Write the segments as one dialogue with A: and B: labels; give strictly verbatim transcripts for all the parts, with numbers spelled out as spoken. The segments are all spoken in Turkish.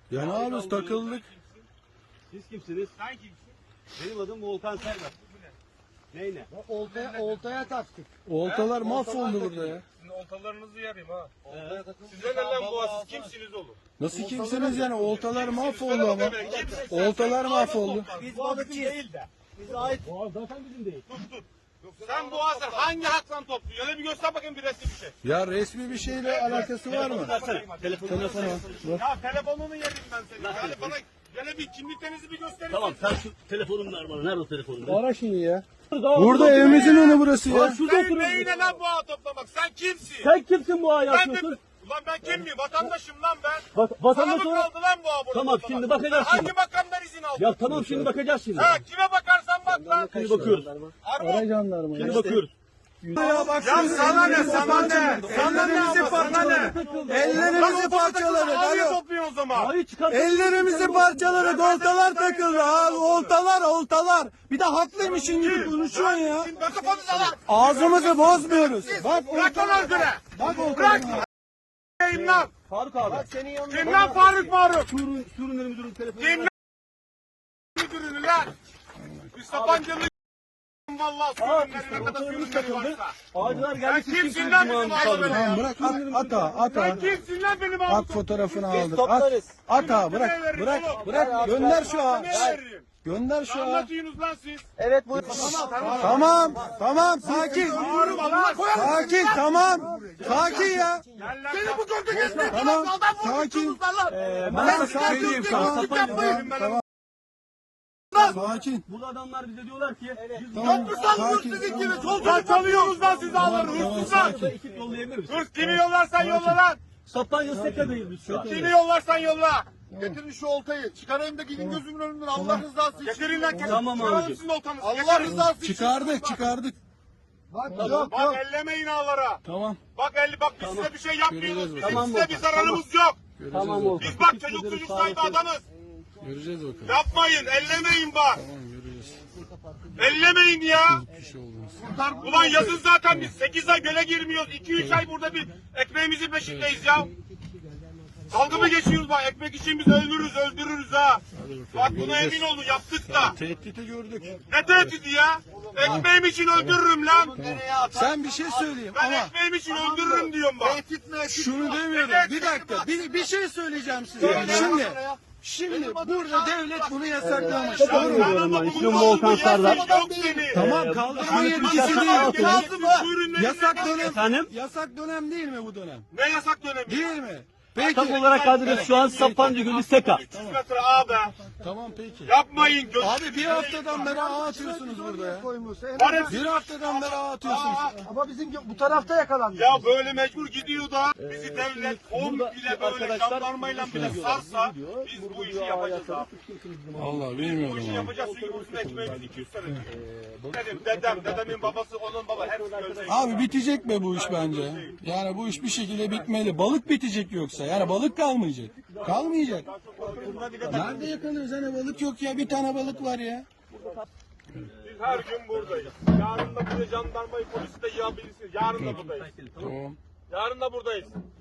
A: Ya ne yapıyoruz, takıldık.
B: Siz kimsiniz?
C: Sen kimsin?
B: Benim adım Volkan Serdar. Ney ne?
D: Oltaya, oltaya taktık.
A: Oltalar mahvoldu burada ya.
C: Sizin oltalarınızı yarayım ha.
B: Ee,
C: Size ne lan bu siz kimsiniz oğlum?
A: Nasıl kimsiniz yani? Oltalar mahvoldu ama.
C: Kimsiniz?
A: Oltalar mahvoldu.
D: Biz balıkçıyız.
C: Değil de.
D: Bize ait.
B: Boğaz zaten bizim değil.
C: Sen bu hazır hangi haktan topluyorsun? Öyle bir göster bakayım bir resim bir şey.
A: Ya resmi bir şeyle alakası var mı?
B: Versene. Telefonu
A: Telefonu
B: versene.
A: al.
C: Ya telefonunu yedim ben senin. Yani bana gene bir kimliklerinizi bir gösterin.
B: Tamam sen şu telefonunu ver bana. Nerede o telefonun?
A: Ara şunu ya. Burada evimizin önü burası
B: Lan
A: ya.
B: şurada
C: Sen
B: oturuyorsun.
C: neyine lan bu ağa toplamak? Sen kimsin?
B: Sen kimsin bu ağa
C: Ben de...
B: yapıyorsun?
C: Ulan ben kim miyim? Vatandaşım lan ben.
B: Bak
C: Sana
B: vatandaş
C: mı
B: olarak.
C: kaldı lan bu ağa burada
B: Tamam,
C: toplamak?
B: şimdi bakacağız
C: Sen
B: şimdi.
C: hangi makamdan izin aldın?
B: Ya tamam şimdi bakacağız şimdi.
C: Ha kime bakarsan bak lan.
B: Şimdi bakıyoruz.
C: Arma.
A: Ara jandarma
B: Şimdi
A: ya.
B: bakıyoruz.
A: Ya bak
C: Ya sana ne sana ne? Sana ne
A: Ellerimizi parçaladı. Ellerimizi parçaladı.
C: Ağzını
A: Alo.
C: topluyorsun o zaman.
B: Hayır çıkar.
A: Ellerimizi parçaladık. Oltalar takıldı. Abi oltalar oltalar. Bir de haklıymışın gibi konuşuyorsun ya.
C: Şimdi mikrofonu salak.
A: Ağzımızı bozmuyoruz. Bak
C: Bırak lan özgüre.
A: Bak oltalar.
C: Bırak. Kim lan?
B: Faruk abi.
D: Senin yanında.
C: Kim lan Faruk Faruk?
B: Surun, surun müdürün telefonu.
C: Kim lan? Müdürünü lan. Bir Sapancılı vallahi sürünleri ne kadar sürünleri varsa.
B: Ağacılar
C: Sen
B: geldi.
C: kimsin lan bizim ağzı
A: Tamam bırak at, at at
C: Sen
A: at.
C: kimsin lan benim
A: At
C: ağzı?
A: fotoğrafını aldık. At,
D: toplarız.
A: at ha bırak bırak bırak gönder şu ağa.
C: Ne veririm?
A: Gönder şu ağa.
C: Anlatıyorsunuz lan siz.
D: Evet bu.
A: Tamam tamam sakin.
C: Bağırma lan.
A: Sakin tamam. Sakin ya.
C: Gel lan. Seni bu gölge geçmek
A: Tamam sakin.
B: Ben
A: Sakin.
B: sakin.
A: Tamam
C: yapmayın.
A: tamam. Sakin.
B: Burada adamlar bize diyorlar ki biz
A: Tamam
C: Hırsızlar
A: sakin.
C: hırsızlık gibi. Sol çalıyoruz lan siz ağları hırsızlar.
B: burada ekip yollayabilir misin?
C: Hırs kimi yollarsan yolla lan.
B: Sapanca Seka'dayız biz şu an.
C: Kimi yollarsan yolla. Getirin şu oltayı. Çıkarayım da gidin gözümün önünden. Allah rızası için. Getirin lan.
B: Tamam
C: Çıkaralım
B: abicim.
C: sizin oltanızı.
D: Allah
C: Getirin.
D: rızası için.
A: Çıkardık çıkardık.
D: Yok
C: Bak ellemeyin ağlara.
A: Tamam.
C: Bak elli bak biz size bir şey yapmıyoruz.
A: Göreceğiz
C: Bizim
B: bakalım.
C: size bir zararımız yok.
B: Tamam oldu.
C: Biz bak çocuk çocuk sahibi adamız.
A: Göreceğiz bakalım.
C: Yapmayın ellemeyin bak.
A: Tamam göreceğiz.
C: Ellemeyin ya.
A: Bir şey olmaz.
C: Ulan yazın zaten biz sekiz ay göle girmiyoruz. iki üç ay burada bir ekmeğimizin peşindeyiz ya. Dalga mı geçiyoruz bak ekmek için biz öldürürüz öldürürüz ha. Bak buna emin olun yaptık da.
A: Tehdidi gördük.
C: Ne tehdidi ya? Ekmeğim için öldürürüm lan.
A: Sen bir şey söyleyeyim
C: Ben
A: ama
C: ekmeğim için öldürürüm diyorum bak.
A: şunu demiyorum. Bir dakika. Bir, bir şey söyleyeceğim size. Şimdi şimdi burada devlet bunu yasaklamış. Doğru mu?
B: Diyorum ben. İsmim Volkan Serdar.
C: Yok seni.
A: Tamam kaldırma yetkisi
B: yasak
A: değil.
B: altı.
A: Lazım mı?
C: Buyurun,
A: Yasak dönem.
B: Efendim?
A: Yasak dönem değil mi bu dönem?
C: Ne yasak dönemi?
A: Değil mi? Peki.
B: Tam olarak adres şu an Sapanca Gölü Seka.
C: üç yüz metre ağ be.
A: Tamam peki.
C: Yapmayın. Göz...
A: Abi bir haftadan beri ağ atıyorsunuz burada ya.
D: koymuş.
C: Var hepsi-
A: Bir haftadan beri ağ atıyorsunuz.
D: Ama bizim bu tarafta yakalandı.
C: Ya böyle mecbur gidiyor da bizi devlet on
B: burada
C: bile böyle
B: arkadaşlar
C: jandarmayla bile
B: şunu
C: sarsa
B: diyorlar,
C: biz bu işi yapacağız abi.
A: Vallahi
C: Bu
A: bilmiyorum
C: işi
A: abi.
C: yapacağız çünkü bizim ekmeğimiz iki yüz senedir. Dedim dedem, dedemin babası, onun baba hepsi ölecek.
A: Abi bitecek be bu iş bence. Yani bu iş bir şekilde bitmeli. Balık bitecek yoksa. Yani balık kalmayacak. Kalmayacak. Nerede yakalıyoruz? Hani balık yok ya. Bir tane balık var ya.
C: Biz her gün buradayız. Yarın da buraya jandarmayı, polisi de yığabilirsiniz. Yarın da buradayız.
A: Tamam.
C: Yarın da buradayız.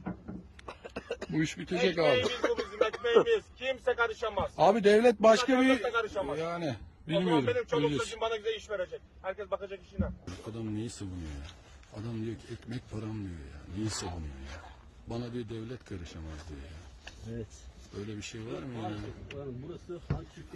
A: Bu iş bitecek abi.
C: Ekmeğimiz bu bizim ekmeğimiz. Kimse karışamaz.
A: Abi devlet başka bir...
C: Devlet de karışamaz.
A: Yani
C: O zaman
A: bilmiyorum.
C: benim çoluk
A: Göreceğiz.
C: çocuğum bana güzel iş verecek. Herkes bakacak işine.
A: Adam neyi savunuyor ya? Adam diyor ki ekmek param diyor ya. Neyi savunuyor ya? Bana diyor devlet karışamaz diyor ya.
B: Evet.
A: Böyle bir şey var mı ya?
B: Burası